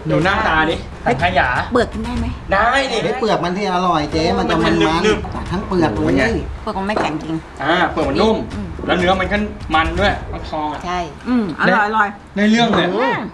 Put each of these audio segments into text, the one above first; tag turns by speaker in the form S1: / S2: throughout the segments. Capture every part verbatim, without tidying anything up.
S1: ดูหน้าตาดิสังขยา
S2: เปลือกกินได้ไหม
S1: ได้ดิ
S3: ไอ้เปลือกมันที่อร่อยเจ๊มันจะมันมันทั้งเปลือกเลย
S2: เปลือกมันไม่แข็งจริง
S1: อ่าเปลือกมันนุ่ม
S2: อืม
S1: แล้วเนื้อมันก็มันด้วยฟักทองอ่ะ
S2: ใช่ อืมอร่อยอร่อย
S1: ได้เรื่องเลย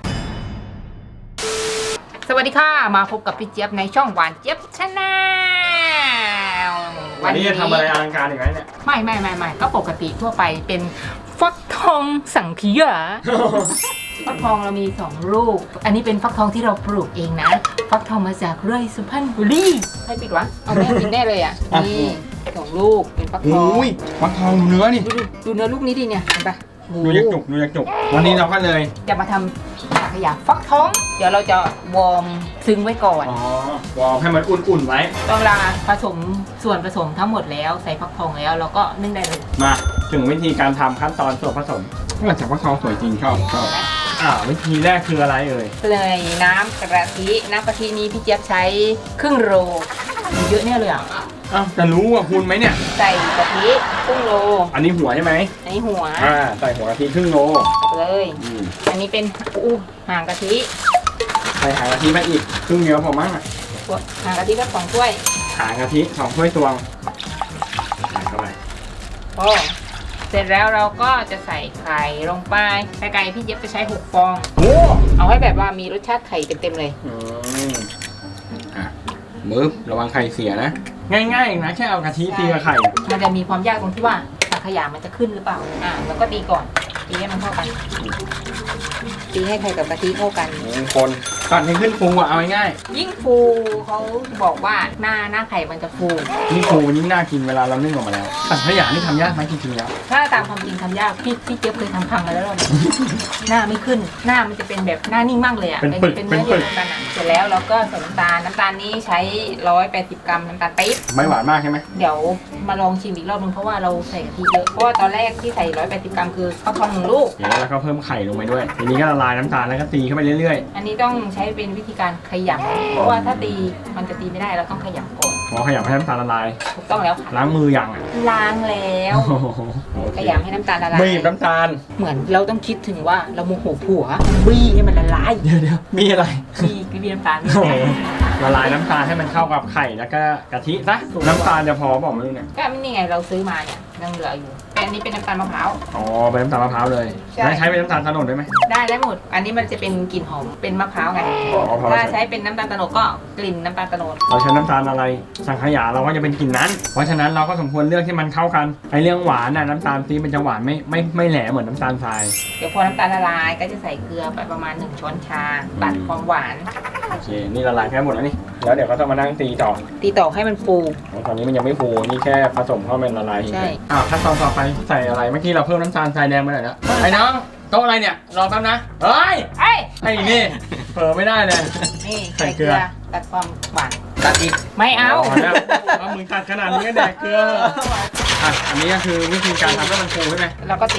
S4: สวัสดีค่ะ มาพบกับพี่เจี๊ยบในช่องหวานเจี๊ยบชาแนล
S1: วันนี้จะทำอะไรอลังการอีกไหมเนี่ย
S4: ไม่ไม่ไม่ไม่ก็ปกติทั่วไปเป็นฟักทองสังขยา ฟักทองเรามีสองลูก อันนี้เป็นฟักทองที่เราปลูกเองนะ ฟักทองมาจากไร่สุพรรณบุรีใครปิดวะ เอาแม่ปิดแน่เลยอ่ะ นี่สองลูกเป็นฟักทอง
S1: อุ้ยฟักทองดูเนื้อนี่
S4: ดูดูเนื้อลูกนี้ดิเนี่ยเห็นปะ
S1: ดูยักจุกดูยักจุกวันนี้เราก็เลย
S4: จะมาทำสังขยาฟักทอง เดี๋ยวเราจะวอร์มซึ้งไว้ก่อน
S1: อ๋อวอร์มให้มันอุ่นๆไว้
S4: ตอนเวลาผสมส่วนผสมทั้งหมดแล้วใส่ฟักทองแล้วเราก็นึ่งได้เลย
S1: มาถึงวิธีการทำขั้นตอนส่วนผสมก็จากฟักทองสวยจริงชอบชอบอ่าวิธีแรกคืออะไรเอ่ย
S4: เลยน้ำกะทิน้ำกะทินี้พี่เจี๊ยบใช้ครึ่งโลเยอะเนี่ยเลยอ่ะ
S1: อ้าวจะรู้ว่าคุณไหมเนี่ย
S4: ใส่กะทิครึ่งโล
S1: อันนี้หัวใช่ไหม
S4: อันนี้หัว
S1: อ่าใส่หัวกะทิครึ่งโล
S4: ใส่ไปเลย
S1: อืม
S4: อันนี้เป็นอู้ห่างกะทิ
S1: ใส่หางกะทิไปอีกครึ่งเดียวพอมั้งอ่ะ
S4: ห่างกะทิก็สองถ้วย
S1: หางกะทิสองถ้วยตวงใส่เข้าไป
S4: พอเสร็จแล้วเราก็จะใส่ไข่ลงไปไข่ไก่พี่เจี๊ยบจะใช้หกฟอง
S1: โอ้
S4: เอาให้แบบว่ามีรสชาติไข่เต็มๆเลย
S1: อืมอ่ะมือระวังไข่เสียนะ ง่ายๆเองนะแค่เอากะทิตีกับไข่
S4: มันจะมีความยากตรงที่ว่าสังขยามันจะขึ้นหรือเปล่า อ่าแล้วก็ตีก่อน ตีให้มันเข้ากัน ตีให้ไข่กับกะทิเข้ากัน
S1: คนก่อนให้ขึ้นฟูอ่ะเอาง่าย
S4: ยิ่งฟูเขาบอกว่าหน้าหน้าไข่มันจะฟู
S1: ๆยิ่งฟูยิ่งน่ากินเวลาเรานึ่งออกมาแล้วสังขยานี่ทำยากไหมจริงๆแล้ว
S4: ถ้าตามความจริงทำยาก พี่พี่เจี๊ยบเคยทำพังมาแล้วรอบนึง หน้าไม่ขึ้น หน้ามันจะเป็นแบบหน้านิ่งมากเลยอ่ะ
S1: เป็นปึก
S4: เป็น
S1: เป็
S4: เนื้
S1: น
S4: อ
S1: ปึ
S4: เดียวกันอ่ะเสร็จแล้วเราก็ใส่น้ำตาล น้ำตาลนี้ใช้ร้อยแปดสิบกรัมน้ำตาลปี๊บ
S1: ไม่หวานมากใช่ไหม
S4: เดี๋ยวมาลองชิมอีกรอบนึงเพราะว่าเราใส่กะทิเยอะ เพราะว่าตอนแรกที่ใส่ร้อยแปดสิบกรัมคือข้าวทองหนึ่งลูก
S1: เดี๋ยวแล้วก็เพิ่มไข่ลงไปด้วยทีนี้ก็ละลายน้ำตาลแล้วก็ตีเข้าไปเรื่อย
S4: อันนี้ต้องใช้เป็นวิธีการขยำเพราะว่าถ้าตีมันจะตีไม่ได้เราต้องขยำก่อน
S1: ๆพอขยับให้น้ำตาลละลาย
S4: ถูกต้องแล้วค่ะ
S1: ล้างมือยังอ่ะ
S4: ล้างแล้ว
S1: โอ้โหโอเค
S4: ขยำให้น้ำตาลละลาย
S1: บีบน้ำตาล
S4: เหมือนเราต้องคิดถึงว่าเราโมโหผัวบี้ให้มันละลาย
S1: เดี๋ยวเดี๋ยวมีอะไร
S4: บี้บี้น้ำตาลนี่
S1: โอ้โหละลายน้ำตาลให้มันเข้ากับไข่แล้วก็กะทิซะน้ำตาลจะพอบอกไม่รู้เนี่ย
S4: ก็นี่ไงเราซื้อมาเนี่ยยังเหลืออยู่แต่อันนี้เป็นน้ำตาลมะพร้าว
S1: อ๋อเป็นน้ำตาลมะพร้าวเลย
S4: ใช่
S1: แล้วใช้เป็นน้ำตาลโตนดได้ไหม
S4: ได้ได้หมด อันนี้มันจะเป็นกลิ่นหอมเป็นมะพร้าวไง
S1: อ๋อพอ
S4: ถ้า
S1: แล้ว
S4: ใช้เป็นน้ำตาลโตโนดก็กลิ่นน้ำตาลโตโนด
S1: เราใช้น้ำตาลอะไรสังขยาเราก็จะเป็นกลิ่นนั้น เพราะฉะนั้นเราก็สมควรเลือกที่มันเข้ากันไอเรื่องหวานน่ะน้ำตาลปี๊บมันจะหวานไม่ไม่ไม่แหลมเหมือนน้ำตาลทราย
S4: เดี๋ยวพอน้ำตาลละลายก็จะใส่เกลือไปประมาณหนึ่งช้อนชาตัดความหวาน
S1: โอเคนี่ละลายแค่หมดแล้วนี่แล้วเดี๋ยวก็ต้องมานั่งตีต่อ
S4: ตีต่อให้มันฟู
S1: ตอนนี้มันยังไม่ฟูนี่แค่ผสมเข้าเป็นละลาย
S4: ใช่
S1: อ้าวขั้นตอนต่อไปใส่อะไรเมื่อกี้เราเพิ่มน้ำตาลทรายแดงไปหน่อยแล้วไอ้น้องโต๊ะอะไรเนี่ยรอแป๊บนะเฮ้ย
S4: เอ้ย
S1: ไอ้นี่เผลอไม่ได้เลย
S4: นี่
S1: ใส่
S4: ใส่
S1: เก
S4: เก
S1: ลื
S4: ลื
S1: อ
S4: อตัดความหวาน
S1: ตัดอีก
S4: ไม่เอา
S1: แล้วว่ามึงตัดขนาดนี้ก็แดกเกลืออ่ะอันนี้ก็คือวิธีการทำให้มันฟูใช่ไหม
S4: แล้วก็ตี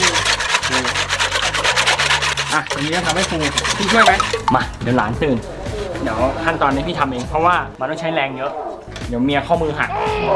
S1: อ่ะอันนี้ก็ทำให้ฟูพี่ช่วยไหมมาเดี๋ยวหลานตื่นเดี๋ยวขั้นตอนนี้พี่ทำเองเพราะว่ามันต้องใช้แรงเยอะเดี๋ยวเมียข้อมือหัก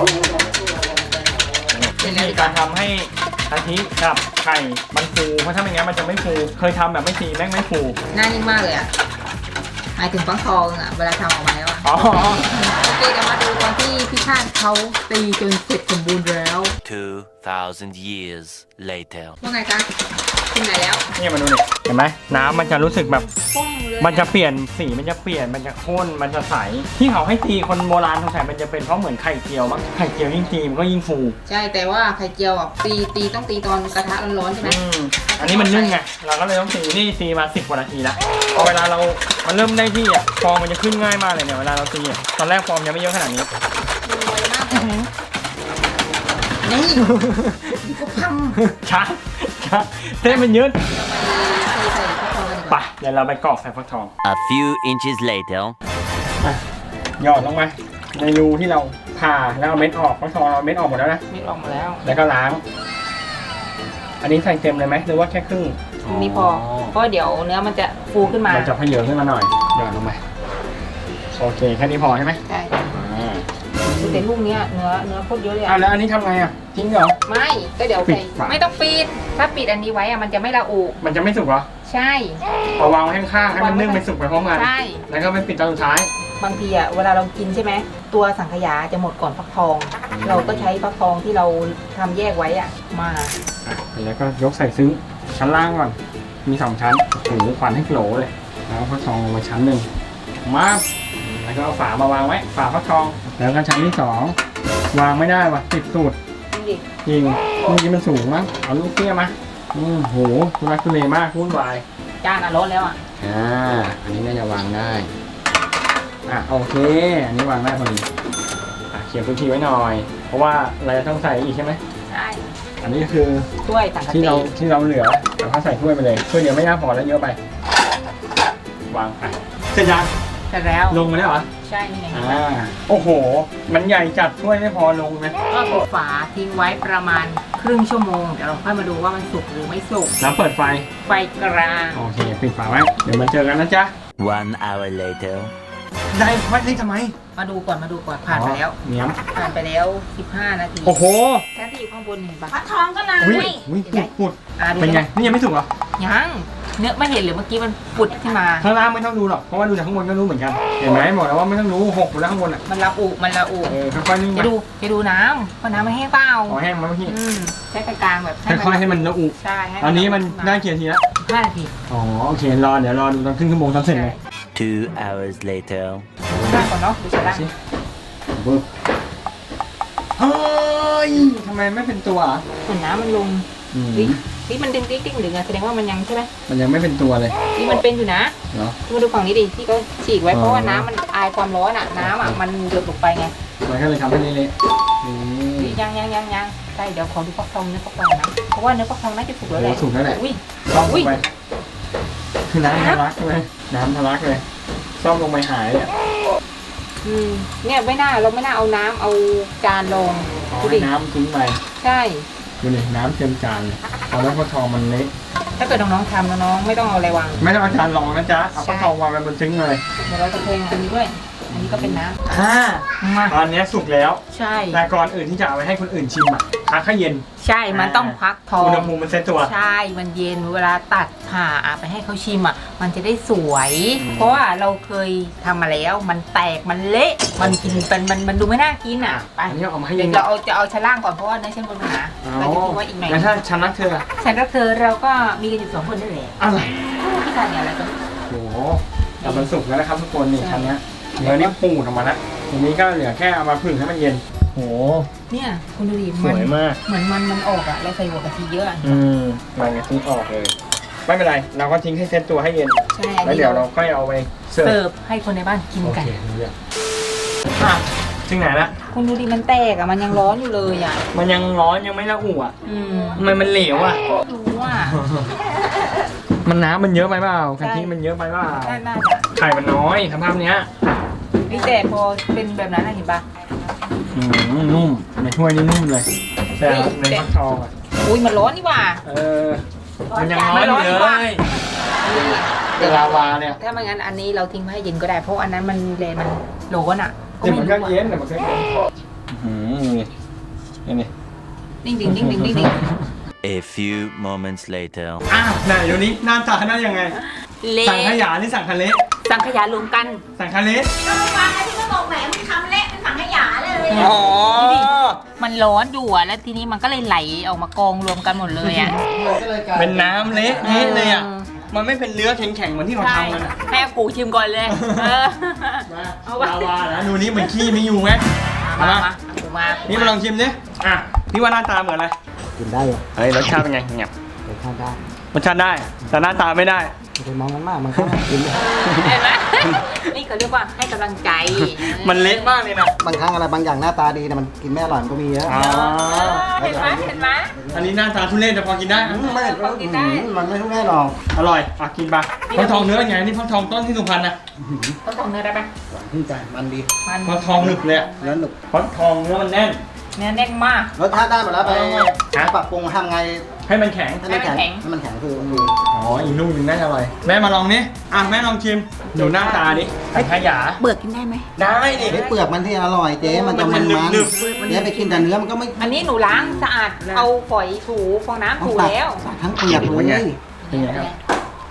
S1: วิธีการทำให้กะทิกับไข่มันฟูเพราะถ้าไม่งั้นมันจะไม่ฟูเคยทำแบบไม่ตีแม่งไม่ฟู
S4: หน้านิ่งมากเลยอ่ะหมายถึงฟักทองอ่ะเวลาทำออกมาแล้วอ่ะ
S1: อ๋อ
S4: โอเคเดี๋ยวมาดูตอนที่พี่ชาติเขาตีจนเสร็จสมบูรณ์แล้ว
S5: Two thousand years later.
S4: ว่าไงจ๊ะถึงไหนแล้ว
S1: นี่มาดูนี่เห็นไหมน้ำมันจะรู้สึกแบบ
S4: ปุ้งเลย
S1: มันจะเปลี่ยนสีมันจะเปลี่ยนมันจะข้นมันจะใสที่เขาให้ตีคนโบราณสงสัยมันจะเป็นเพราะเหมือนไข่เจียวมั้งไข่เจียวยิ่งตีมันก็ยิ่งฟู
S4: ใช่แต่ว่าไข่เจียวอ่ะตีตีต้องตีตอนกระทะร้อนๆใช่ไหม
S1: อืมอันนี้มันนึ่งไงเราก็เลยต้องตีนี่ตีมาสิบกว่านาทีแล้วพอเวลาเรามันเริ่มได้ที่อ่ะฟองมันจะขึ้นง่ายมากเลยเนี่ยเวลาเราตีอ่ะตอนแรกฟองยังไม่เยอะขนาดนี้
S4: มันไวมากเลยนี่ก็พัง
S1: ช้าช้าเส้นมันยืด
S4: เราไปใส่ฟักทองกันดีก
S1: ไป
S4: ว่า
S1: เดี๋ยวเราไปกรอกใส่ฟักทอง
S5: A few inches later.
S1: หยอดลงไปในรูที่เราผ่าแล้วเอาเม็ดออกฟักทองเราเม็ดออกหมดแล้วนะ
S4: ไม่ออกมาแล้ว
S1: แล้วก็ล้าง อันนี้ใส่เต็มเลยไหมหรือว่าแค่ครึ่ง
S4: นี่พอเพราะเดี๋ยวเนื้อมันจะฟูขึ้นมา
S1: มันจะพเยอะขึ้นมาหน่อยหยอดลงไปโอเคแค่นี้พอใช่ไหม
S4: ใช่
S1: อ่า
S4: แต่ลูกเนี้ยเนื้อเนื้อโคตรเยอะเลย
S1: อ่ะ
S4: อะ
S1: แล้วอันนี้ทำไงอ่ะทิ้งเหรอ
S4: ไม่ก็เดี๋ยว
S1: ปิ
S4: ใส่
S1: ดฝา
S4: ไม่ต้องปิดถ้าปิดอันนี้ไว้อะมันจะไม่ละอุ
S1: มันจะไม่สุกเหรอ
S4: ใใช่
S1: เอาวางไว้ข้างๆให้มันนึ่งไปสุกไปพร้อมกัน
S4: ใช่
S1: แล้วก็ไปปิดตอนสุดท้าย
S4: บางทีอ่ะเวลาเรากินใช่ไหมตัวสังขยาจะหมดก่อนฟักทอง เราก็ใช้ฟักทองที่เราทำแยกไว้อ่ะมา
S1: อ่ะแล้วก็ยกใส่ซึ้งชั้นล่างก่อน มีสองชั้นโอ้โหควันให้โผล่เลย แล้วก็ฟักทองลงมาชั้นหนึ่งมาแล้วก็เอาฝามาวางไว้ ฝาฟักทอง แล้วก็ชั้นที่สองวางไม่ได้ว่ะติดสูตร
S4: ดิ
S1: จริงเมื่อกี้มันสูงมั้ง เอาลูกเตี้ยมาอืมโหทุลักทุเลมากวุ่นวาย
S4: จานอ่ะร้อนแล้วอ่ะ
S1: อ่า อันนี้น่าจะวางได้ อ่ะโอเค อันนี้วางได้พอดี อ่ะเขียนพื้นที่ไว้หน่อย เพราะว่าเราจะต้องใส่อีกใช่ไหม
S4: ใช่
S1: อันนี้คือ
S4: ถ้วยสังกะ
S1: ที่
S4: สี
S1: เราที่เราเหลือเราก็ใส่ถ้วยไปเลยถ้วยเดียวไม่น่าพอแล้วเยอะไป วางไปเสร็จยัง
S4: เสร็จแล้ว
S1: ลงมาแล้วเหรอ
S4: ใช่นี่ไง
S1: อ่า โอ้โห มันใหญ่จัดถ้วยไม่พอลงนะ
S4: ก็ปิดฝาทิ้งไว้ประมาณครึ่งชั่วโมงเดี๋ยวเราค่อยมาดูว่ามันสุกหรือไม่สุก
S1: แล้วเปิดไฟ
S4: ไฟกลาง
S1: โอเค ปิดฝาไว้ เดี๋ยวมาเจอกันนะจ๊ะ
S5: One hour later.
S1: ได้ไว้ได้ทำไม
S4: มาดูก่อนมาดูก่อนผ่านไปแล้ว
S1: เหนียม
S4: ผ่านไปแล้วสิบห้านาที
S1: โอ้โห
S4: แค่ที่อยู่ข้างบนเห็นปะ
S2: ฟักทองก็นาน
S1: อุ้ยอุ้ยปุดปุด
S4: อ่ะดู
S1: เป็นไง นี่ยังไม่สุกเหรอ
S4: ยังเนื้อไม่เห็นหรือเมื่อกี้มันปุดขึ้นมา
S1: ข้างล่างไม่ต้องดูหรอก เพราะว่าดูจากข้างบนก็รู้เหมือนกัน เห็นไหมบอกแล้วว่าไม่ต้องรู้หกอยู่แล้วข้างบนอ่ะ
S4: มันละอุมันละอุ
S1: เออค่อยๆนึ่งไป
S4: จะดูจะดูน้ำว่าน้ำมันแห้งเปล่า
S1: ขอแห้งมาเมื่อกี้
S4: อืมใช้กลางๆแบบ
S1: ค่อยๆให้มันละอุ
S4: ใช่ให้
S1: ตอนนี้มันได้กี่นาทีแล้ว
S4: ห้านาที
S1: อ๋อโอเครอเดี๋ยวรอดูตอนครึ่งชั่วโมงตอนเสร็จเลย
S5: Two hours later.
S4: ดูหน้าก่อนเนาะดูชั้นล่าง
S1: บึ๊บเฮ้ยทำไมไม่เป็นตัวอ่ะ
S4: เหมือนน้ำมันลง
S1: อืม
S4: นี่นี่มันดึงติ๊กติ๊กดึงอะแสดงว่ามันยังใช่ไหม
S1: มันยังไม่เป็นตัวเลย
S4: นี่มันเป็นอยู่นะ
S1: เนาะ
S4: มาดูฝั่งนี้ดิที่เขาฉีกไว้
S1: อ๋อ
S4: เพราะว่าน้ำมันอายความร้อนอะน้ำอะมันหยดลงไปไง
S1: มันก็เลยทำให้เละๆนี่
S4: นี่ยังยังยังยังใช่เดี๋ยวขอดูฟักทองเนื้อฟักทองนะเพราะว่าเนื้อฟักทองน่าจะสุกแล้วแหละ
S1: โอ้สุกแล้วแหละ
S4: อุ้ย
S1: ซ่อมล
S4: อุ้ย
S1: งไปคือน้ำทะลักเลยน้ำทะลักเลยซ่อมลงไปหายเลย
S4: อืมเนี่ยไม่น่าเราไม่น่าเอาน้ำเอาจานลง
S1: เอา
S4: ดู
S1: ให้
S4: ดิ
S1: น้ำทิ้งไป
S4: ใช่
S1: ดูดิน้ำเต็มจานเลยเอาแล้วฟักทองมันเละ
S4: ถ้าเกิดน้องๆทำน้องๆไม่ต้องเอาอะไรวาง
S1: ไม่ต้องเอาจานรองนะจ๊ะเอาฟักทองวางไว้บนซึ้งเลย
S4: เดี๋ยวเราจะเทอันนี้ด้วย อันนี้ก็เป็นน้
S1: อ่า
S4: ำมา
S1: ตอนนี้สุกแล้ว
S4: ใช่
S1: แต่ก่อนอื่นที่จะเอาไปให้คนอื่นชิมอ่ะพักให้เย็น
S4: ใช่มันต้องพักทอ
S1: อุ
S4: ง
S1: ณหภูมิมันเซ็ตตัว
S4: ใช่ มันเย็นเวลาตัดผ่าอ่ะไปให้เขาชิมอ่ะ มันจะได้สวย
S1: อืม
S4: เพราะว่าเราเคยทำมาแล้ว มันแตก มันเละ มันกินเป็นมันมันดูไม่น่ากินอ่ะ ไป
S1: อันนี้เอามาให้
S4: เดี๋
S1: เย็
S4: ยวน เราเอาจะเอาชั้นล่างก่อนเพราะว่าเนื้อชั้นบนมันหนา
S1: เอา
S4: เราจะทิ้งไว้อีกหน่อย
S1: แล้วถ้าฉันรักเธอ
S4: ฉันรักเธอเราก็มีกันอยู่สองคนนั่นแหละ
S1: อะไร
S4: พี่ทานเนี่ยอะไรกัน
S1: โอ้โหแต่มันสุกแล้วนะครับทุกคนนี่
S4: ใช่
S1: ชั้นเนี้ยเนื้อนี่ปูดออกมาแล้วทีนี้ก็เหลือแค่เอามาผึ่งให้มันเย็นโห
S4: เนี่ยคุณดูดิ
S1: สวยมาก
S4: เหมือนมันมันออกอ่ะเราใส่หัวกะทิเยอะอะ
S1: อืมมันกะทิออกเลย ไม่เป็นไร เราก็ทิ้งให้เซ็ตตัวให้เย็น
S4: ใช่
S1: แล้วเดี๋ยวเราค่อยเอาไปเสิร์ฟ
S4: เสิร์ฟให้คนในบ้านกิน
S1: โอ
S4: กัน
S1: เครู้เรื่องอ่ะถึงไหนละ
S4: คุณดูดิมันแตกอ่ะมันยังร้อนอยู่เลยอ่ะ
S1: มันยังร้อนยังไม่ละอุอ่ะ
S4: อืม
S1: ทำไมมันเหลวอ่ะ
S4: ดูว่า
S1: มันน้ำมันเยอะไปเปล่ากะทิมันเยอะไปเปล่า
S4: น่าน่าจะ
S1: ไข่มันน้อยสภาพเนี้ย
S4: นี่แต่พอเป็นแบบนั้นนะเห็นปะ
S1: อืมนุ่มในถ้วยนี่นุ่มเลย แต่
S4: เฮ้ย
S1: ในฟักทองอ่ะ
S4: อุ้ยมันร้อนนี่หว่า
S1: เออ มันยังร้อนอยู่
S4: มันร้อนอยู่
S1: เล
S4: ว่ะ
S1: ยเป็นลาวาเนี่ย
S4: ถ้าไม่งั้นอันนี้เราทิ้งไว้ให้เย็นก็ได้เพราะอันนั้นมันเลยมันโหลนอ่ะ
S1: เดี๋ยวมันก็
S4: รู้
S1: เย็นเดี๋ยวมันก็เย็นอืมนี่นี่
S4: นิ่งดิ่งนิ่งดิ่งนิ่งดิ่ง
S5: A few moments later.
S1: อ้าวไหนเดี๋ยวนี้หน้าตาได้ยังไง
S4: เละ
S1: สั่งขยะนี่สั่งทะเล
S4: สังขยารวมกัน
S1: สั่งทะเล
S2: ก็ไม่ฟังนะที่เขาบอกแหมมึงทำเละเป็นถังขยะเลย
S1: อ๋อ
S4: มันร้อนอยู่อ่ะแล้วทีนี้มันก็เลยไหลออกมากองรวมกันหมดเลยอ่ะ
S1: เป็นน้ำเละเทะเลยอ่ะ มันไม่เป็นเนื้อแข็งๆเหมือนที่เรา
S4: ใช่
S1: ทำกันอ่ะ
S4: ให้อากูชิมก่อนเลยเออ
S1: มา
S4: เอาวะ
S1: ลาวาแล้วดูนี่เหมือนขี้ไม่อยู่ไหม
S4: มา
S1: มา
S4: มาอากูมา
S1: นี่มาลองชิมดิอ่ะพี่ว่าหน้าตาเหมือนอะไร
S3: กินได้เหรอ
S1: เฮ้ยรสชาติเป็นไงเงียบ
S3: รสชาติได้
S1: รสชาติได้ แต่หน้าตาไม่ได้
S3: ไม่ไปมองมันมากมันก็กินได้
S4: เห็นไหมนี่เขาเรียกว่าให้กำลังใจ
S1: มันเละมากเลยนะ
S3: บางครั้งอะไรบางอย่างหน้าตาดีแต่มันกินไม่อร่อยมันก็มีเยอะ
S1: อ๋อ
S4: เออเห็นไหมเห็นไหม
S1: อันนี้หน้าตาทุเรศแต่พอกินได้
S3: อืมไม่
S4: พอกินได้
S3: อืมมันไม่ทุกแน่หรอก
S1: อร่อยอ่ะกินปะฟักทองเนื้อเป็นไงนี่ฟักทองต้นที่สุพรรณนะ
S4: เขาส่งเนื้อได้ไหม
S3: หวานขึ้นใจมันดี
S4: มัน
S1: ฟักทองหนึบเลยอะ
S3: แล้วหนุก
S1: ฟักทองเนื้อมันแน่น
S4: เนื้อแน่นมาก
S3: รสชาติได้หมดแล้วไป
S1: ฮะ
S3: ปรับปรุงทำไง
S1: ให้มันแข็ง
S3: ให้มันแข็ง
S4: ให้มันแข็ง
S3: ให้มันแข็งคือมันดี
S1: อ๋อ อีกลูกหนึงน่าจะอร่อย แม่มาลองนี่อ่ะแม่ลองชิม ดูหน้าตาดิไอ้ขยะ
S2: เบิกกินได้ไหม
S1: ได้ดิ
S3: ไอ้เปลือกมันที่อร่อยเจ๊มันจะมัน
S1: มัน
S3: มัน
S1: หนึบ
S3: เจ๊ไปกินแต่เนื้อมันก็ไม่
S4: อันนี้หนูล้างสะอาดเอาฝอยถูฟองน้ำถูแล้ว
S3: ตัดทั้งเปลือกเลย
S1: เป็นไงครับ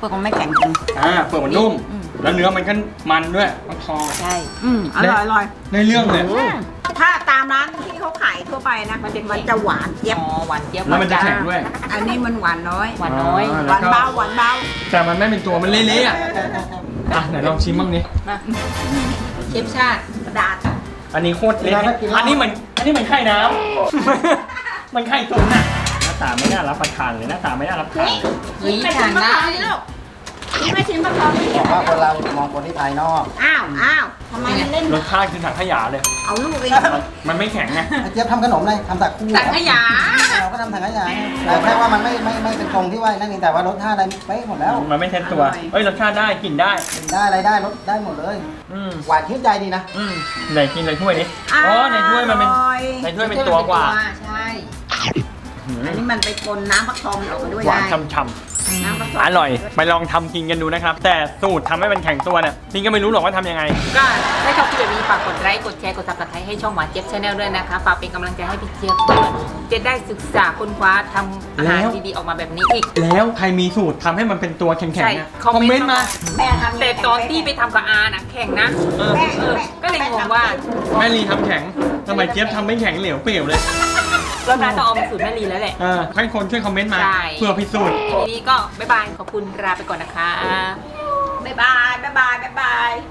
S2: เปลือกมันไม่แข็งจริง
S1: อ่าเปลือกมันนุ่ม
S2: อืม
S1: แล้วเนื้อมันก็มันด้วยฟักทอง
S4: ใช่
S2: อืมอร่อยอร่อย
S1: ในเรื่องเลย
S2: ถ้าตามร้านที่เขาขายทั่วไปนะ
S4: มันจะ
S2: มันจะหวานเจี๊ยบ
S4: อ๋อหวานเจี๊ยบ
S1: แล้วมันจะแข็งด้วย
S2: อันนี้มันหวานน้อย
S4: หวานน้อย
S1: อ่
S2: หวานเบาหวานเบา
S1: แต่มันไม่เป็นตัวมันเละๆอ่ะอ่ะไหนลองชิมบ้างดิ
S4: มาเชฟชาติ
S2: กระดาษ
S1: อันนี้โคตรเละอันนี้เหมือนอันนี้เหมือนไข่น้ำ มันไข่ตุ๋นอ่ะหน้าตาไม่น่ารับประทานเลยหน้าตาไม่น่ารับทานเลย
S4: เฮ้ย
S2: ไป
S4: ทา
S2: ชิ
S4: น
S2: มมะ
S4: ได้
S2: พร้าวนี่ลูกชิมไปชิมมะพร้าวนี่
S3: บอกว่าคนเรามองคนที่ภายนอก
S2: อ้าวอ้าวทำไมมันเล่น
S1: รสชาติคือถังขยะเลย
S2: เอาลูกเอง
S1: มันไม่แข็งไง
S3: ไอ้เจี๊ยบทำขนมเลยทำสักคู่
S4: สังขยา
S3: เราก็ทำสังขยาแต่แค่ว่ามันไม่ไม่ไม่เป็นตรงที่ว่านั่นเองแต่ว่ารสชาติอะไรเป๊ะหมดแล้ว
S1: มันไม่เท็จตัว เอ้ยรสชาติได้กลิ่นได้
S3: กินได้อะไรได้รสได้หมดเลย
S1: อืม
S3: หวานชื่นใจดีนะ
S1: อืมไหนกินในถ้วยนี้อ๋อในถ้วยมันเป็น
S2: อร่อย
S1: ในถ้วยเป็นตัวกว่า
S4: ใช่
S1: หืม
S2: อันนี้มันไปปนน้ำฟักทองออกมาด้วย
S1: หวาน
S2: ได้
S1: ช่ำ
S2: น้ำฟักท
S1: ๆ
S2: อง
S1: อร่อย ไปลองทำกินกันดูนะครับ แต่สูตรทำให้มันแข็งตัวเนี่ยพี่ก็ไม่รู้หรอกว่าทำยังไง
S4: ก็ถ้าชอบคลิปแบบนี้ฝากกดไลค์กดแชร์กดซับสไครต์ให้ช่องหวานเจี๊ยบชาแนลด้วยนะคะฝากเป็นกำลังใจให้พี่เจี๊ยบด้วยจะได้ศึกษาค้นคว้าทำอาหาร
S1: แล้ว
S4: ดีๆออกมาแบบนี้อีก
S1: แล้วใครมีสูตรทำให้มันเป็นตัวแข็ง
S4: ใช่
S1: ๆนะ
S4: คอมเมนต์
S1: คอมเมนต์มา
S2: แม่ทำ
S4: แต่ตอนที่ไปทำกับอาน่ะแข่งนะ
S1: เออ
S2: แม่
S4: เออ
S2: แม่
S4: ก็เลยงงว่า
S1: แม่ลีทำแข็งทำไมเจี๊ยบทำไม่แข็งเหลวเปลวเลย
S4: เราน่าจะเอามาสูตรแม่ลีแล้วแหละ
S1: เออให้คนช่วยคอมเมนต์มา
S4: ใช่
S1: เพื่อพิสูจน์
S4: ทีนี้ก็บ๊ายบายขอบคุณลาไปก่อนนะคะ
S2: บ๊ายบายบ๊ายบายบ๊ายบาย